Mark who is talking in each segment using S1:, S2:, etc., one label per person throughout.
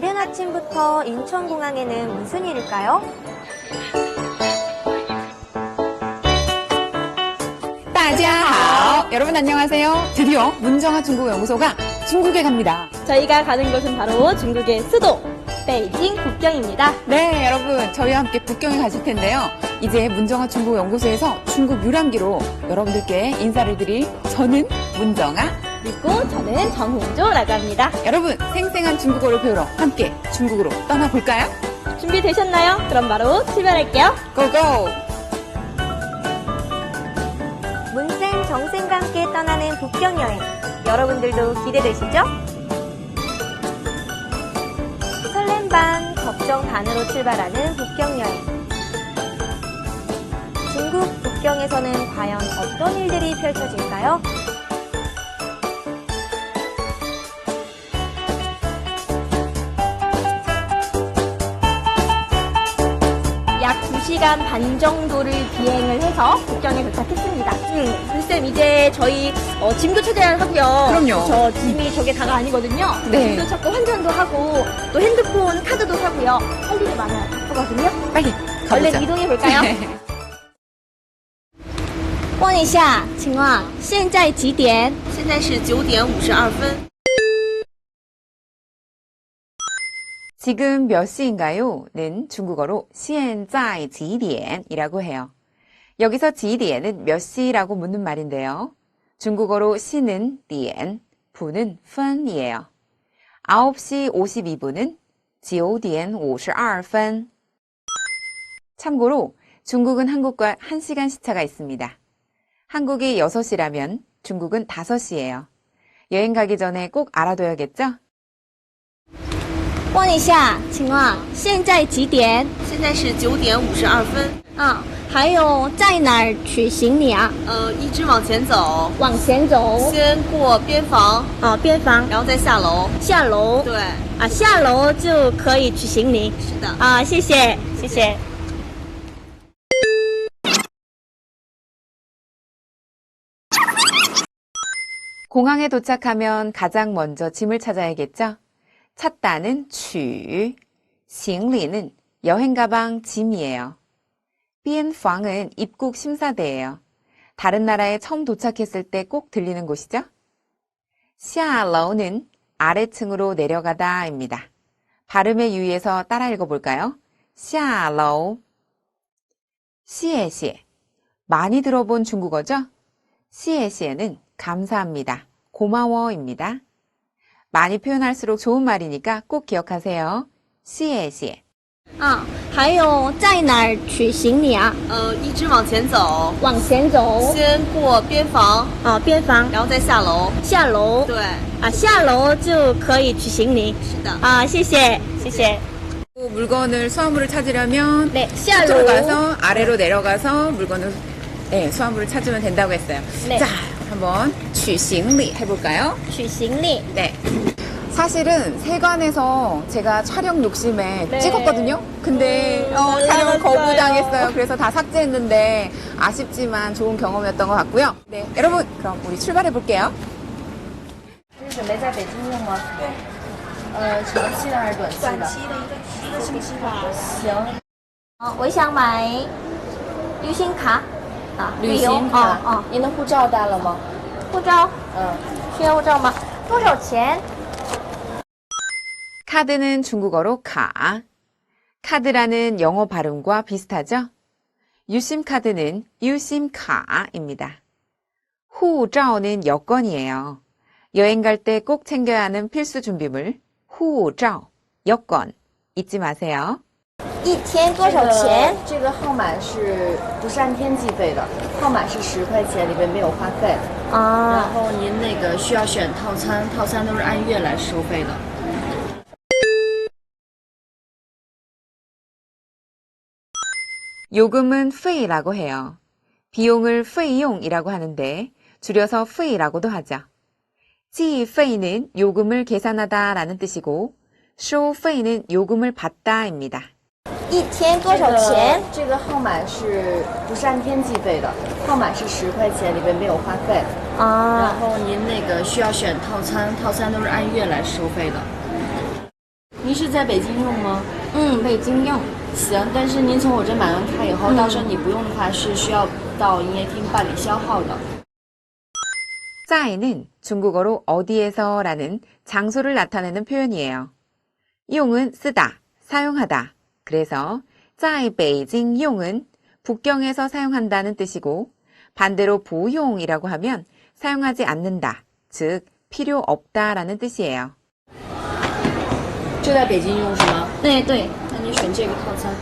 S1: 이른 아침부터 인천공항에는 무슨 일일까요?
S2: 大家好! 여러분 안녕하세요. 드디어 문정아 중국어연구소가 중국에 갑니다.
S1: 저희가 가는 곳은 바로 중국의 수도 베이징 북경입니다.
S2: 네, 여러분 저희와 함께 북경에 가실 텐데요. 이제 문정아 중국어연구소에서 중국 유람기로 여러분들께 인사를 드릴 저는 문정아,
S1: 그리고 저는 정훈조라고 합니다.
S2: 여러분 생생한 중국어를 배우러 함께 중국으로 떠나볼까요?
S1: 준비되셨나요? 그럼 바로 출발할게요.
S2: 고고!
S1: 문쌤, 정쌤과 함께 떠나는 북경 여행. 여러분들도 기대되시죠? 설렘 반, 걱정 반으로 출발하는 북경 여행. 중국 북경에서는 과연 어떤 일들이 펼쳐질까요? 약 2시간 반 정도를 비행을 해서 북경에 도착했습니다. 쌤, 이제 저희 짐도 찾아야 하고요.
S2: 그럼요.
S1: 저 짐이 저게 다가 아니거든요.
S2: 네.
S1: 짐도 찾고 환전도 하고 또 핸드폰, 카드도 사고요. 할 일이 많아요. 하거든요.
S2: 빨리 가보자.
S1: 얼른 이동해 볼까요? 问一下，请问现在几点？
S3: 现在是9点52分。
S2: 지금 몇 시인가요?는 중국어로 现在几点이라고 해요. 여기서 几点은 몇 시라고 묻는 말인데요. 중국어로 시는 点, 분은 分이에요. 9시 52분은 9点52分. 참고로 중국은 한국과 1시간 시차가 있습니다. 한국이 6시라면 중국은 5시예요. 여행 가기 전에 꼭 알아둬야겠죠?
S1: 问一下，请问现在几点？
S3: 现在是9点52分。
S1: 还有在哪儿取行李啊？
S3: 一直往前走，
S1: 往前走。
S3: 先过边防，
S1: 边防，
S3: 然后再下楼。
S1: 下楼。
S3: 对，
S1: 下楼就可以取行李。
S3: 是的。
S1: 谢谢，谢谢。
S2: 공항에 도착하면 가장 먼저 짐을 찾아야겠죠? 찾다는 取, 行李는 여행 가방 짐이에요. 边防은 입국 심사대예요. 다른 나라에 처음 도착했을 때 꼭 들리는 곳이죠? 下楼는 아래층으로 내려가다입니다. 발음에 유의해서 따라 읽어볼까요? 下楼. 谢谢. 많이 들어본 중국어죠? 谢谢는 감사합니다. 고마워입니다. 많이 표현할수록 좋은 말이니까 꼭 기억하세요. 谢谢.
S1: 还有在哪儿取行李啊？
S3: 一直往前走，
S1: 往前走。
S3: 先过边防，
S1: 边防，
S3: 然后再下楼。
S1: 下楼。
S3: 对，
S1: 下楼就可以取行李。
S3: 是的。
S1: 谢谢，谢谢。
S2: 물건을 수화물을 찾으려면
S1: 네,
S2: 밑으로 가서 아래로 내려가서 물건을 수화물을 찾으면 된다고 했어요.
S1: 네.
S2: 자, 한번 取行李 해볼까요?
S1: 取行李.
S2: 네. 사실은 세관에서 제가 촬영 욕심에
S1: 네.
S2: 찍었거든요. 근데 촬영을 거부당했어요. 그래서 다 삭제했는데 아쉽지만 좋은 경험이었던 것 같고요. 네, 여러분 그럼 우리 출발해 볼게요.
S3: 准备在北京用吗？对。长期的还是短期的？短期的一个星期吧。行。
S1: 我想买旅行卡。
S3: 旅行卡。您的护照带了吗？
S1: 护照。需要护照吗？多少钱？
S2: 카드는 중국어로 카. 카드라는 영어 발음과 비슷하죠? 유심 카드는 유심 카입니다. 후자오는 여권이에요. 여행 갈 때 꼭 챙겨야 하는 필수 준비물 후자오, 여권 잊지 마세요.
S1: 一天多少钱？
S3: 这个号码是不是按天计费的？号码是10块钱，里边没有话费。然后您那个需要选套餐，套餐都是按月来收费的。
S2: 요금은 페이라고 해요. 비용을 페이용이라고 하는데 줄여서 페이라고도 하죠. 지페이는 요금을 계산하다 라는 뜻이고 쇼페이는 요금을 받다입니다.
S1: 一天多少钱？
S3: 这个号码是不是按天计费的？号码是10块钱，里边没有话费。然后您那个需要选套餐，套餐都是按月来收费的。 您是在北京用吗？
S1: 北京用。
S3: 行，但是您从我这买完卡以后，到时候你不用的话是需要到营业厅办理消耗的。
S2: 在는 중국어로 어디에서라는 장소를 나타내는 표현이에요. 용은 쓰다, 사용하다. 그래서 在北京用은 북경에서 사용한다는 뜻이고 반대로 不用이라고 하면 사용하지 않는다, 즉 필요 없다라는 뜻이에요.
S3: 就在北京用是吗？
S1: 对对，
S3: 那你选这个套餐。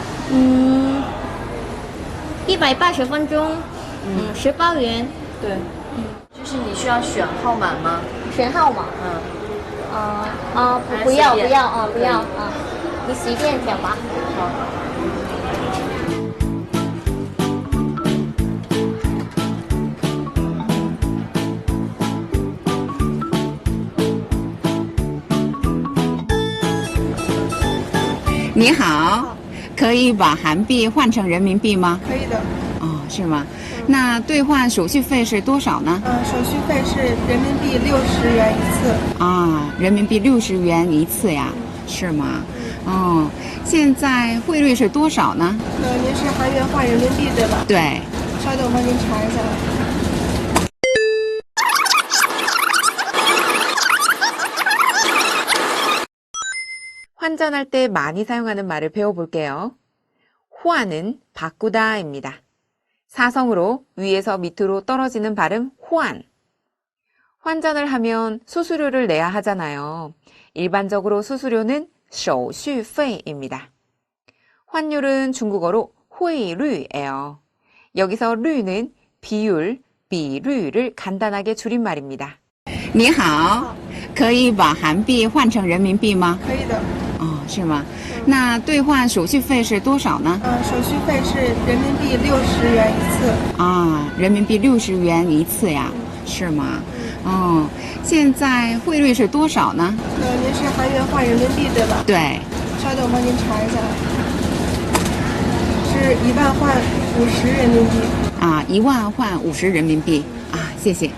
S1: 180分钟，18元。
S3: 对，就是你需要选号码吗？
S1: 选号码。不要不要啊，不要啊，你随便挑吧。
S3: 好。
S4: 你好，可以把韩币换成人民币吗？
S5: 可以的。
S4: 哦，是吗？那兑换手续费是多少呢？
S5: 手续费是人民币60元一次。
S4: 啊，人民币60元一次呀，是吗？哦，现在汇率是多少呢？
S5: 您是韩元换人民币对吧？
S4: 对。
S5: 稍等，我帮您查一下。
S2: 환전할 때 많이 사용하는 말을 배워볼게요. 환은 바꾸다입니다. 사성으로 위에서 밑으로 떨어지는 발음 환. 환전을 하면 수수료를 내야 하잖아요. 일반적으로 수수료는 手续费입니다. 환율은 중국어로 汇率예요. 여기서 류는 비율, 비류를 간단하게 줄인 말입니다.
S4: 你好，可以把韩币换成人民币吗？
S5: 可以的。
S4: 哦，是吗？那兑换手续费是多少呢？
S5: 手续费是人民币60元一次。
S4: 啊，人民币60元一次呀，是吗？哦，现在汇率是多少呢？
S5: 您是韩元换人民币对吧？
S4: 对。
S5: 稍等，我帮您查一下。是1万换50人民币。
S4: 啊，1万换50人民币啊，谢谢。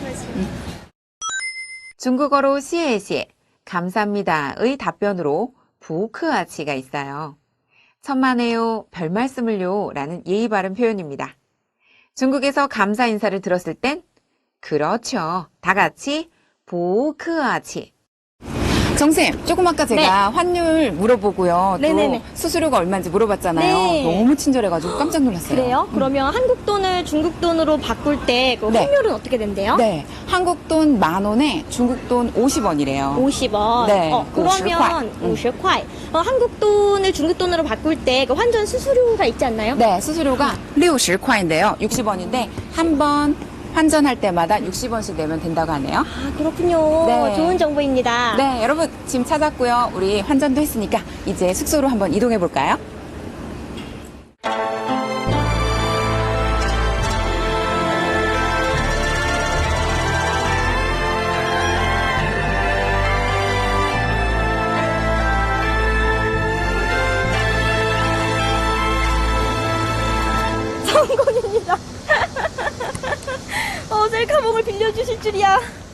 S2: 중국어로 시에시에 감사합니다의 답변으로 부크아치가 있어요. 천만에요, 별말씀을요 라는 예의 바른 표현입니다. 중국에서 감사 인사를 들었을 땐 그렇죠. 다 같이 부크아치.
S4: 정쌤, 조금 아까 제가 환율 물어보고요.
S1: 네네네.
S4: 또 수수료가 얼마인지 물어봤잖아요.
S1: 네.
S4: 너무 친절해가지고 깜짝 놀랐어요.
S1: 그래요? 그러면 한국 돈을 중국 돈으로 바꿀 때 그
S4: 네.
S1: 환율은 어떻게 된대요?
S4: 네, 한국 돈 10,000원에 중국 돈 50원이래요.
S1: 50원.
S4: 네,
S1: 그러면 50块. 한국 돈을 중국 돈으로 바꿀 때 그 환전 수수료가 있지 않나요?
S4: 네, 수수료가 60块인데요. 60원인데 한 번 환전할 때마다 60원씩 내면 된다고 하네요.
S1: 아, 그렇군요.
S4: 네.
S1: 좋은 정보입니다.
S4: 네, 여러분 짐 찾았고요. 우리 환전도 했으니까 이제 숙소로 한번 이동해 볼까요?
S1: 성공입니다. 셀카봉을 빌려주실 줄이야.